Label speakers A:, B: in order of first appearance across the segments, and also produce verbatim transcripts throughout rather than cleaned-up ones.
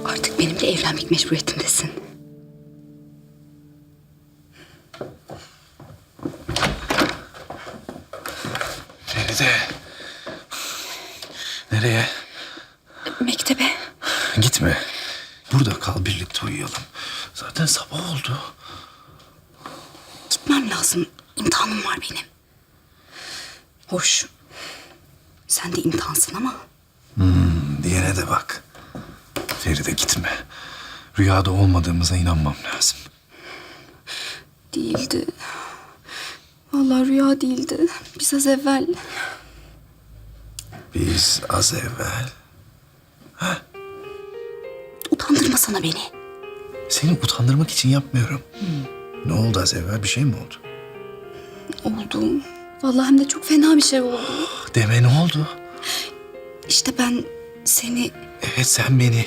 A: Artık benimle evlenmek mecburiyetindesin.
B: Feride. Nereye?
A: Mektebe.
B: Gitme. Burada kal, birlikte uyuyalım. Zaten sabah oldu.
A: Gitmem lazım. İmtihanım var benim. Hoş. Sen de imtihansın ama.
B: Hmm, diyene de bak. Feride gitme. Rüyada olmadığımıza inanmam lazım.
A: Değildi. Vallahi rüya değildi. Biz az evvel...
B: Biz az evvel...
A: Utandırmasana beni.
B: Seni utandırmak için yapmıyorum. Ne oldu az evvel? Bir şey mi oldu?
A: Oldu. Vallahi hem de çok fena bir şey oldu.
B: Deme, ne oldu?
A: İşte ben seni
B: Evet, sen beni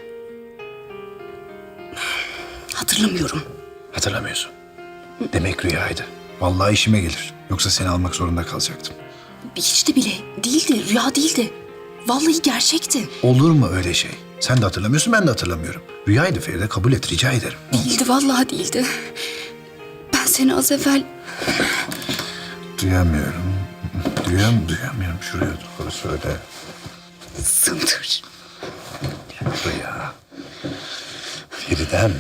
A: hatırlamıyorum.
B: hatırlamıyorsun. Demek rüyaydı. Vallahi işime gelir. Yoksa seni almak zorunda kalacaktım.
A: Hiç de bile değildi. Rüya değildi. Vallahi gerçekti.
B: Olur mu öyle şey? Sen de hatırlamıyorsun, ben de hatırlamıyorum. Rüyaydı Feride, kabul et, rica ederim.
A: Değildi, vallahi değildi. Ben seni az evvel...
B: Duyamıyorum. Duyam, duyamıyorum. Şuraya doğru söyle.
A: Sındır.
B: Rüya. Feridem.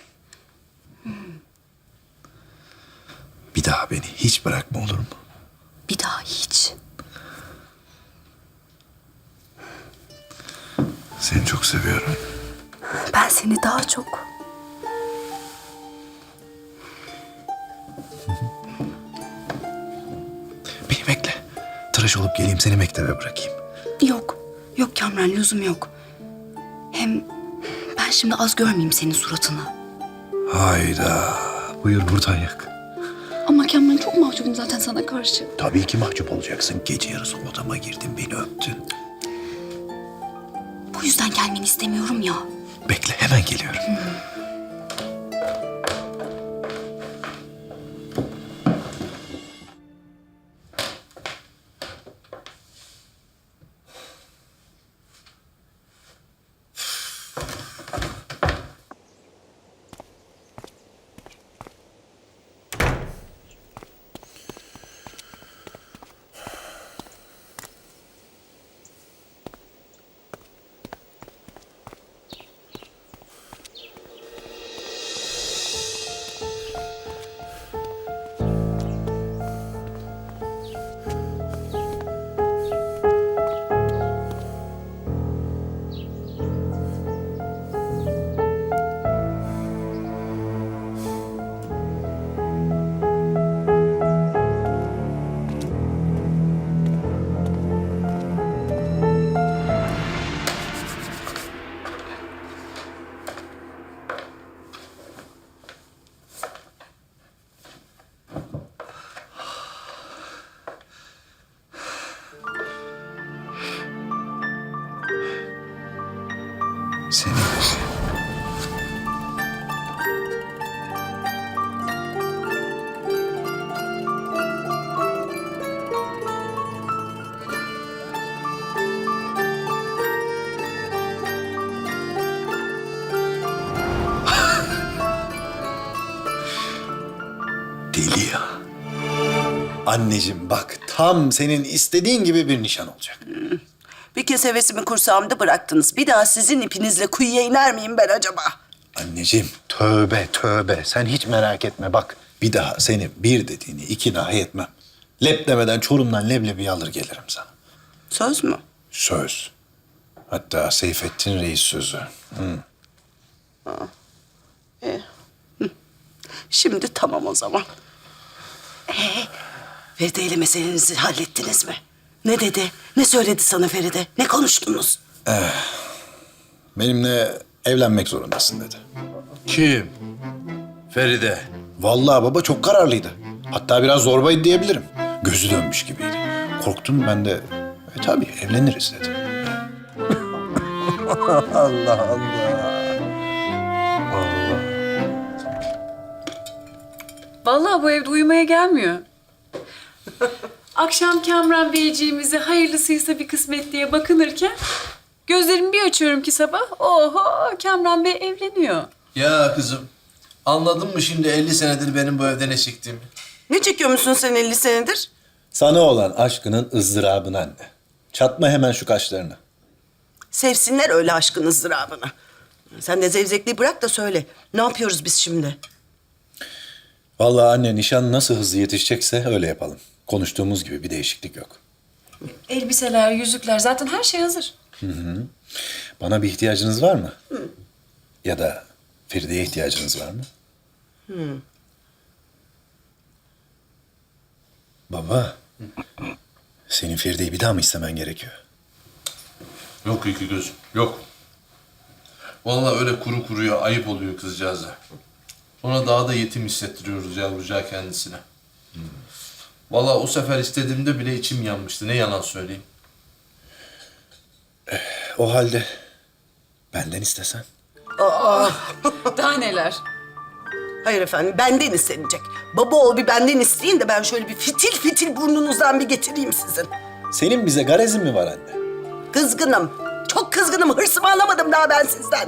B: Bir daha beni hiç bırakma, olur mu?
A: Bir daha hiç.
B: Seni çok seviyorum.
A: Ben seni daha çok...
B: Beni bekle. Tıraş olup geleyim, seni mektebe bırakayım.
A: Yok. Yok Kamran, lüzum yok. Hem ben şimdi az görmeyeyim senin suratını.
B: Hayda. Buyur buradan yak.
A: Ama Kamran, çok mahcubum zaten sana karşı.
B: Tabii ki mahcup olacaksın. Gece yarısı odama girdin, beni öptün.
A: Bu yüzden gelmeni istemiyorum ya.
B: Bekle, hemen geliyorum. Seni deli ya. Anneciğim bak, tam senin istediğin gibi bir nişan olacak.
C: Bir kez hevesimi kursağımda bıraktınız. Bir daha sizin ipinizle kuyuya iner miyim ben acaba?
B: Anneciğim tövbe tövbe, sen hiç merak etme bak. Bir daha senin bir dediğini iki dahi etmem. Lep demeden Çorum'dan leblebi alır gelirim sana.
C: Söz mü?
B: Söz. Hatta Seyfettin Reis sözü. Hı.
C: Şimdi tamam o zaman. Ee, Feride ile meselenizi hallettiniz mi? Ne dedi? Ne söyledi sana Feride? Ne konuştunuz?
B: Benimle evlenmek zorundasın dedi.
D: Kim? Feride.
B: Vallahi baba çok kararlıydı. Hatta biraz zorbaydı diyebilirim. Gözü dönmüş gibiydi. Korktum ben de. E tabii evleniriz dedi. Allah Allah.
E: Vallahi bu evde uyumaya gelmiyor. Akşam Kamran Beyciğimize hayırlısıysa bir kısmet diye bakınırken Gözlerimi bir açıyorum ki sabah, oho Kamran Bey evleniyor.
D: Ya kızım, anladın mı şimdi elli senedir benim bu evde ne çektiğimi?
C: Ne çekiyormuşsun sen elli senedir?
B: Sana olan aşkının ızdırabını anne. Çatma hemen şu kaşlarını.
C: Sevsinler öyle aşkın ızdırabını. Sen de zevzekliği bırak da söyle. Ne yapıyoruz biz şimdi?
B: Vallahi anne nişan nasıl hızlı yetişecekse öyle yapalım. Konuştuğumuz gibi bir değişiklik yok.
E: Elbiseler, yüzükler, zaten her şey hazır.
B: Bana bir ihtiyacınız var mı? Ya da Feride'ye ihtiyacınız var mı? Baba, senin Feride'yi bir daha mı istemen gerekiyor?
D: Yok iki gözüm, yok. Vallahi öyle kuru kuruya ayıp oluyor kızcağıza. Sonra daha da yetim hissettiriyoruz yavrucağı kendisine. Vallahi o sefer istediğimde bile içim yanmıştı. Ne yalan söyleyeyim.
B: O halde benden istesen.
E: Daha neler?
C: Hayır efendim, benden istenecek. Baba oğul bir benden isteyin de ben şöyle bir fitil fitil burnunuzdan bir getireyim sizin.
B: Senin bize garezin mi var anne?
C: Kızgınım. Çok kızgınım. Hırsımı alamadım daha ben sizden.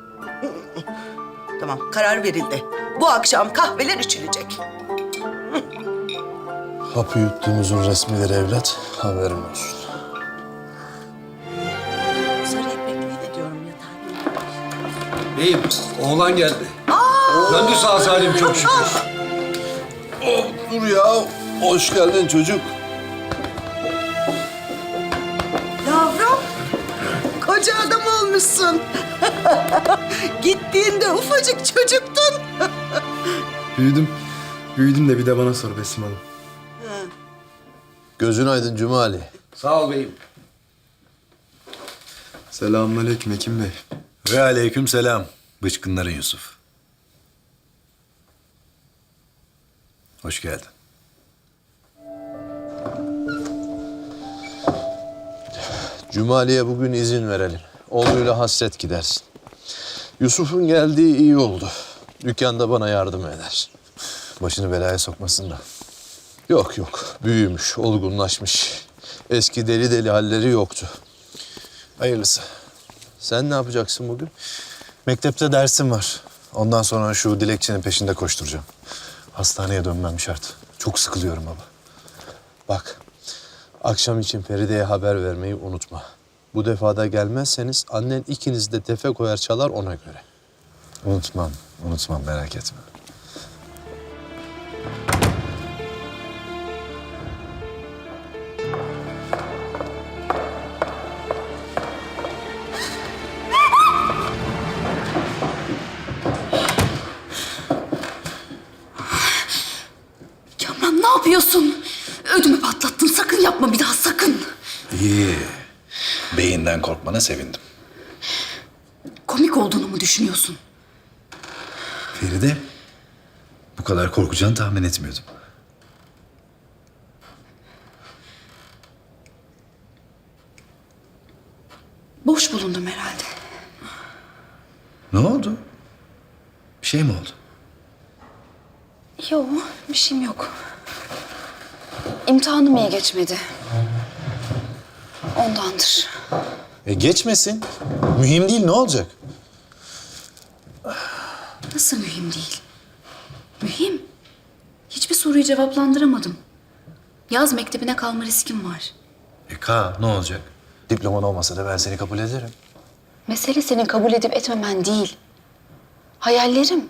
C: Tamam, karar verildi. Bu akşam kahveler içilecek.
F: Hapı yuttuğumuzun resmileri evlat, haberin olsun.
C: Sarı ipekliği de diyorum yatağa.
G: Beyim, oğlan geldi. Döndü sağ salim çok şükür.
D: Oh, dur ya. Hoş geldin çocuk.
C: Yavrum, koca adam olmuşsun. Gittiğinde ufacık çocuktun.
F: Büyüdüm. Büyüdüm de bir de bana sor Besim Hanım.
D: Gözün aydın Cumali.
G: Sağ ol beyim.
F: Selamünaleyküm Hekim Bey.
B: Ve aleyküm selam. Bıçkınların Yusuf. Hoş geldin.
D: Cumali'ye bugün izin verelim. Oğluyla hasret gidersin. Yusuf'un geldiği iyi oldu. Dükkanda bana yardım eder.
B: Başını belaya sokmasın da.
D: Yok yok. Büyümüş, olgunlaşmış. Eski deli deli halleri yoktu.
B: Hayırlısı.
D: Sen ne yapacaksın bugün?
B: Mektepte dersim var. Ondan sonra şu dilekçenin peşinde koşturacağım. Hastaneye dönmem şart. Çok sıkılıyorum baba.
D: Bak, akşam için Feride'ye haber vermeyi unutma. Bu defa da gelmezseniz annen ikiniz de tefe koyar çalar ona göre.
B: Unutmam, unutmam merak etme.
A: Kamran ne yapıyorsun? Ödümü patlattın. Sakın yapma bir daha sakın.
B: İyi. Beyinden korkmana sevindim.
A: Komik olduğunu mu düşünüyorsun?
B: Feride, bu kadar korkacağını tahmin etmiyordum.
A: Boş bulundum herhalde.
B: Ne oldu? Bir şey mi oldu?
A: Yok, bir şeyim yok. İmtihanım iyi geçmedi. Ondandır.
B: E geçmesin. Mühim değil, ne olacak?
A: Nasıl mühim değil? Mühim. Hiçbir soruyu cevaplandıramadım. Yaz mektebine kalma riskim var.
B: E Ka, ne olacak? Diploman olmasa da ben seni kabul ederim.
A: Mesele senin kabul edip etmemen değil. Hayallerim.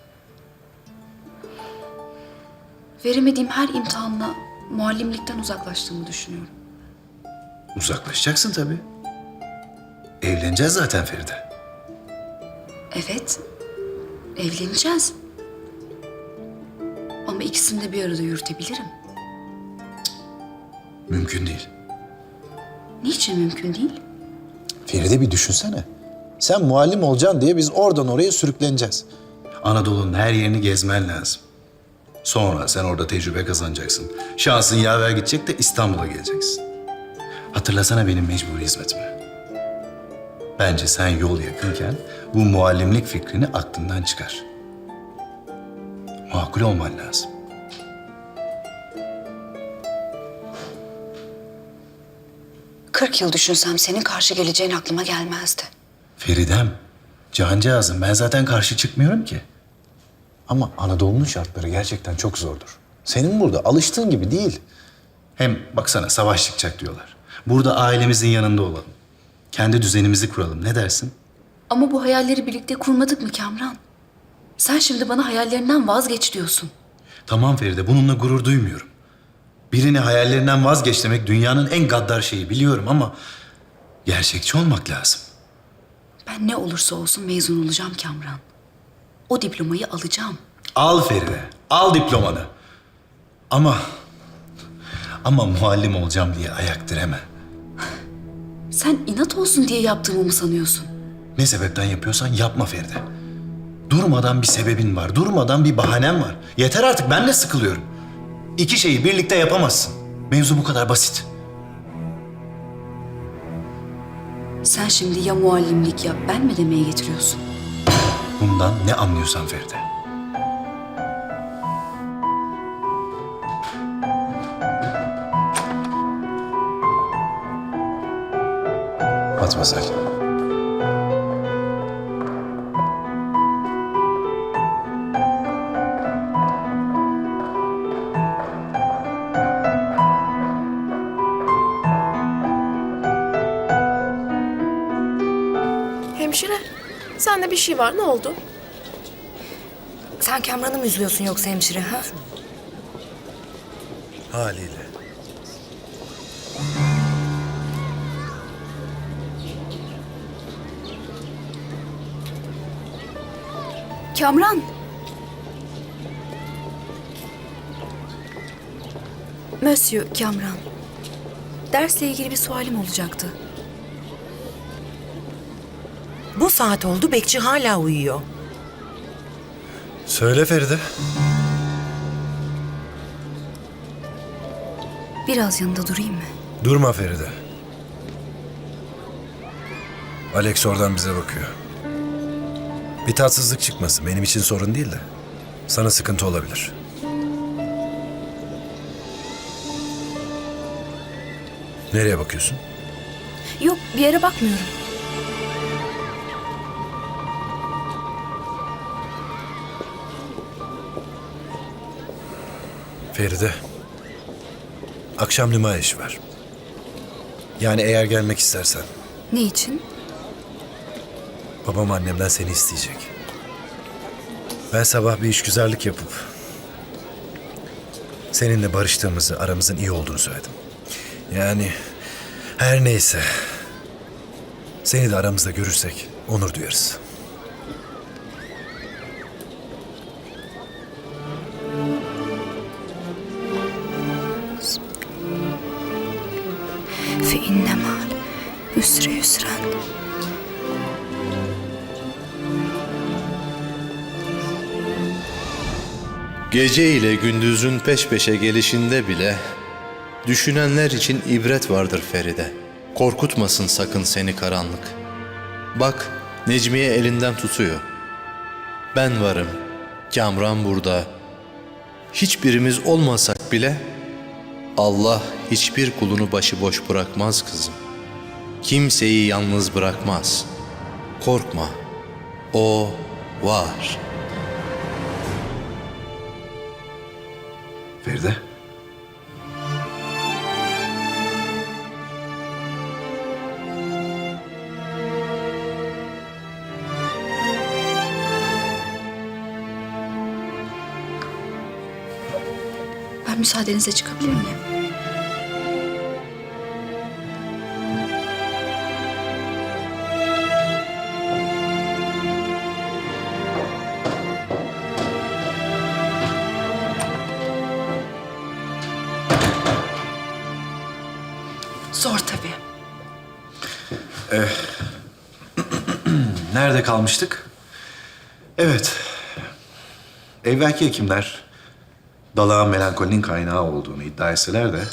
A: Veremediğim her imtihanla muallimlikten uzaklaştığımı düşünüyorum.
B: Uzaklaşacaksın tabii. Evleneceğiz zaten Feride.
A: Evet, evleneceğiz. Ama ikisini de bir arada yürütebilirim.
B: Mümkün değil.
A: Niçin mümkün değil?
B: Feride bir düşünsene. Sen muallim olacaksın diye biz oradan oraya sürükleneceğiz. Anadolu'nun her yerini gezmen lazım. Sonra sen orada tecrübe kazanacaksın. Şansın yaver gidecek de İstanbul'a geleceksin. Hatırlasana benim mecburi hizmetimi. Bence sen yol yakınken bu muallimlik fikrini aklından çıkar. Makul olman lazım.
A: Kırk yıl düşünsem senin karşı geleceğin aklıma gelmezdi.
B: Feridem, cancağızım ben zaten karşı çıkmıyorum ki. Ama Anadolu'nun şartları gerçekten çok zordur. Senin burada alıştığın gibi değil. Hem baksana savaş çıkacak diyorlar. Burada ailemizin yanında olalım. Kendi düzenimizi kuralım. Ne dersin?
A: Ama bu hayalleri birlikte kurmadık mı Kamran? Sen şimdi bana hayallerinden vazgeç diyorsun.
B: Tamam Feride, bununla gurur duymuyorum. Birini hayallerinden vazgeç demek dünyanın en gaddar şeyi biliyorum ama gerçekçi olmak lazım.
A: Ben ne olursa olsun mezun olacağım Kamran. O diplomayı alacağım.
B: Al Feride, al diplomanı. Ama, ama muallim olacağım diye ayak direme.
A: Sen inat olsun diye yaptığımı mı sanıyorsun?
B: Ne sebepten yapıyorsan yapma Feride. Durmadan bir sebebin var, durmadan bir bahanen var. Yeter artık, ben de sıkılıyorum. İki şeyi birlikte yapamazsın. Mevzu bu kadar basit.
A: Sen şimdi ya muallimlik yap, ben mi demeye getiriyorsun?
B: Bundan ne anlıyorsan Feride. Matmazel.
H: Hemşire, sende bir şey var. Ne oldu?
I: Sen Kamran'ı mı üzüyorsun yoksa hemşire ha?
B: Haliyle.
A: Kamran! Monsieur Kamran. Dersle ilgili bir sualim olacaktı.
C: Bu saat oldu, bekçi hala uyuyor.
B: Söyle Feride.
A: Biraz yanında durayım mı?
J: Durma Feride. Alex oradan bize bakıyor. Bir tatsızlık çıkmasın. Benim için sorun değil de. Sana sıkıntı olabilir. Nereye bakıyorsun?
A: Yok, bir yere bakmıyorum.
J: Feride. Akşam lima işi var. Yani eğer gelmek istersen.
A: Ne için?
J: Babam annemden seni isteyecek. Ben sabah bir işgüzarlık yapıp seninle barıştığımızı, aramızın iyi olduğunu söyledim. Yani her neyse. Seni de aramızda görürsek onur duyarız.
A: Fe inne ma'al üsre yusran.
D: Gece ile gündüzün peş peşe gelişinde bile düşünenler için ibret vardır Feride. Korkutmasın sakın seni karanlık. Bak Necmiye elinden tutuyor. Ben varım, Kamran burada. Hiçbirimiz olmasak bile Allah hiçbir kulunu başıboş bırakmaz kızım. Kimseyi yalnız bırakmaz. Korkma, O var.
B: Feride.
A: Ben müsaadenizle çıkabilir miyim? Zor tabii.
B: Nerede kalmıştık? Evet. Evvelki hekimler dalağın melankolinin kaynağı olduğunu iddia etseler de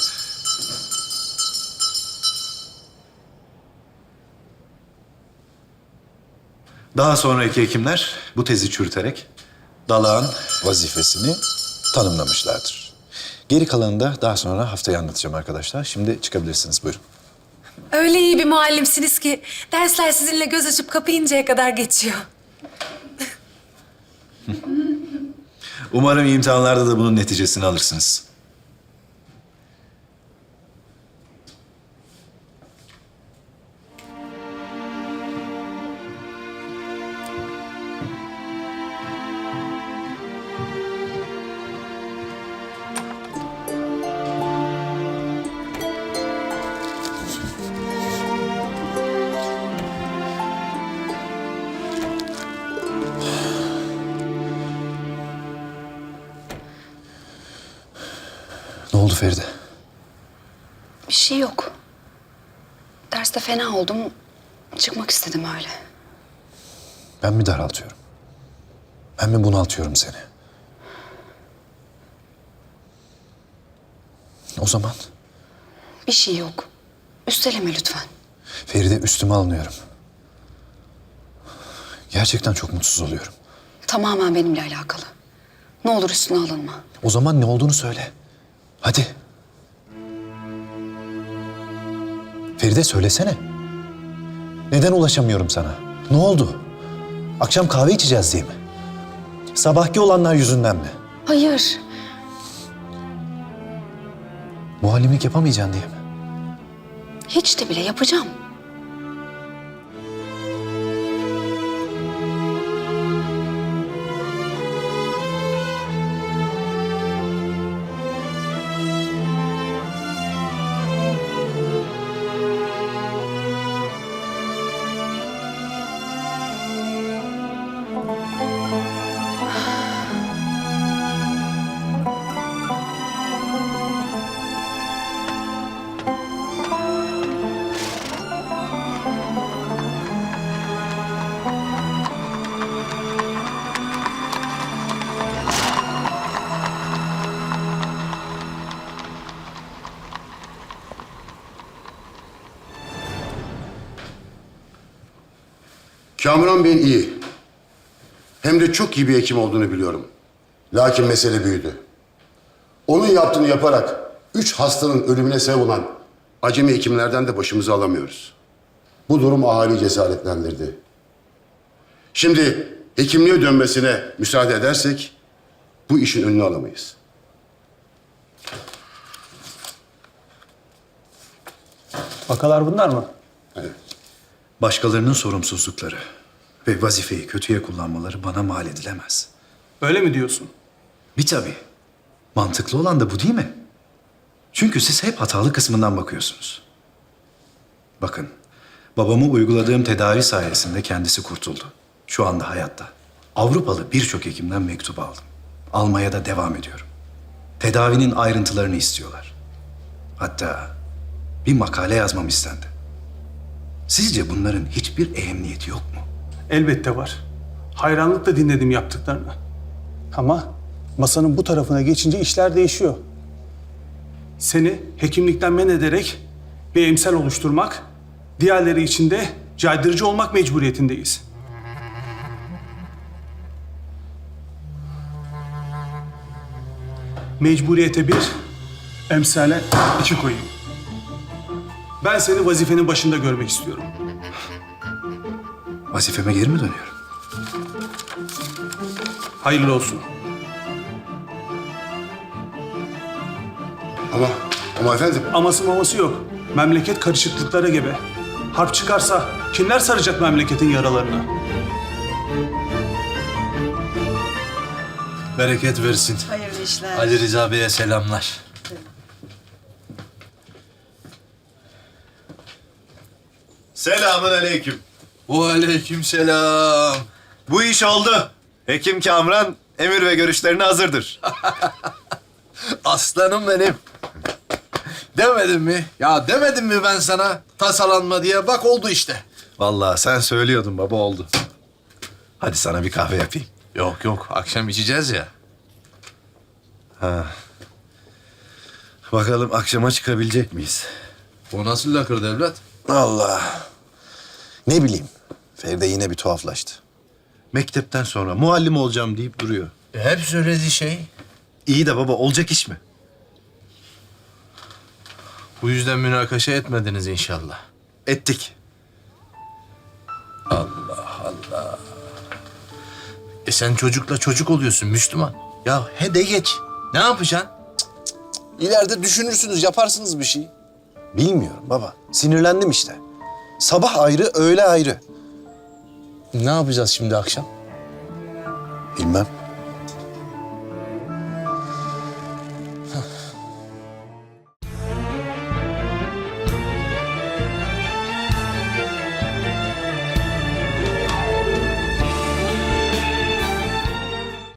B: daha sonraki hekimler bu tezi çürüterek dalağın vazifesini tanımlamışlardır. Geri kalanını da daha sonra haftaya anlatacağım arkadaşlar. Şimdi çıkabilirsiniz. Buyurun.
I: Öyle iyi bir muallimsiniz ki dersler sizinle göz açıp kapayıncaya kadar geçiyor.
B: Umarım imtihanlarda da bunun neticesini alırsınız. Ne oldu Feride?
A: Bir şey yok. Derste fena oldum. Çıkmak istedim öyle.
B: Ben mi daraltıyorum? Ben mi bunaltıyorum seni? O zaman
A: Bir şey yok. Üsteleme lütfen.
B: Feride, üstüme alınıyorum. Gerçekten çok mutsuz oluyorum.
A: Tamamen benimle alakalı. Ne olur üstüne alınma.
B: O zaman ne olduğunu söyle. Hadi. Feride, söylesene. Neden ulaşamıyorum sana? Ne oldu? Akşam kahve içeceğiz diye mi? Sabahki olanlar yüzünden mi?
A: Hayır.
B: Muallimlik yapamayacaksın diye mi?
A: Hiç de bile yapacağım.
K: Kamran Bey'in iyi. Hem de çok iyi bir hekim olduğunu biliyorum. Lakin mesele büyüdü. Onun yaptığını yaparak üç hastanın ölümüne sebep olan acemi hekimlerden de başımızı alamıyoruz. Bu durum ahaliyi cesaretlendirdi. Şimdi hekimliğe dönmesine müsaade edersek bu işin önünü alamayız.
F: Vakalar bunlar mı?
K: Evet.
J: Başkalarının sorumsuzlukları ve vazifeyi kötüye kullanmaları bana mal edilemez.
F: Öyle mi diyorsun?
J: Bir tabii. Mantıklı olan da bu değil mi? Çünkü siz hep hatalı kısmından bakıyorsunuz. Bakın, babamı uyguladığım tedavi sayesinde kendisi kurtuldu. Şu anda hayatta. Avrupalı birçok hekimden mektup aldım. Almaya da devam ediyorum. Tedavinin ayrıntılarını istiyorlar. Hatta bir makale yazmam istendi. Sizce bunların hiçbir ehemmiyeti yok mu?
F: Elbette var. Hayranlıkla dinledim yaptıklarını. Ama masanın bu tarafına geçince işler değişiyor. Seni hekimlikten men ederek bir emsal oluşturmak, diğerleri için de caydırıcı olmak mecburiyetindeyiz. Mecburiyete bir, emsale iki koyayım. Ben seni vazifenin başında görmek istiyorum.
J: Vazifeme geri mi dönüyorum?
F: Hayırlı olsun.
K: Ama, ama efendim...
F: Aması maması yok. Memleket karışıklıklara gebe. Harp çıkarsa kimler saracak memleketin yaralarını?
D: Bereket versin.
C: Hayırlı işler.
D: Ali Rıza Bey'e selamlar.
B: Selamun aleyküm.
D: Ve aleyküm selam.
B: Bu iş oldu. Hekim Kamran emir ve görüşlerine hazırdır.
D: Aslanım benim. Demedim mi? Ya demedim mi ben sana tasalanma diye? Bak oldu işte.
B: Vallahi sen söylüyordun baba, oldu. Hadi sana bir kahve yapayım.
D: Yok yok, akşam içeceğiz ya.
B: Bakalım akşama çıkabilecek miyiz?
D: O nasıl lakır devlet?
B: Allah. Ne bileyim. Feride yine bir tuhaflaştı. Mektepten sonra muallim olacağım deyip duruyor.
D: E, hep söylediği şey.
B: İyi de baba, olacak iş mi?
D: Bu yüzden münakaşa etmediniz inşallah.
J: Ettik.
D: E sen çocukla çocuk oluyorsun Müslüman. Ya he de geç. Ne yapacaksın?
B: İleride düşünürsünüz, yaparsınız bir şey. Bilmiyorum baba. Sinirlendim işte. Sabah ayrı, öğle ayrı.
D: Ne yapacağız şimdi akşam?
B: Bilmem.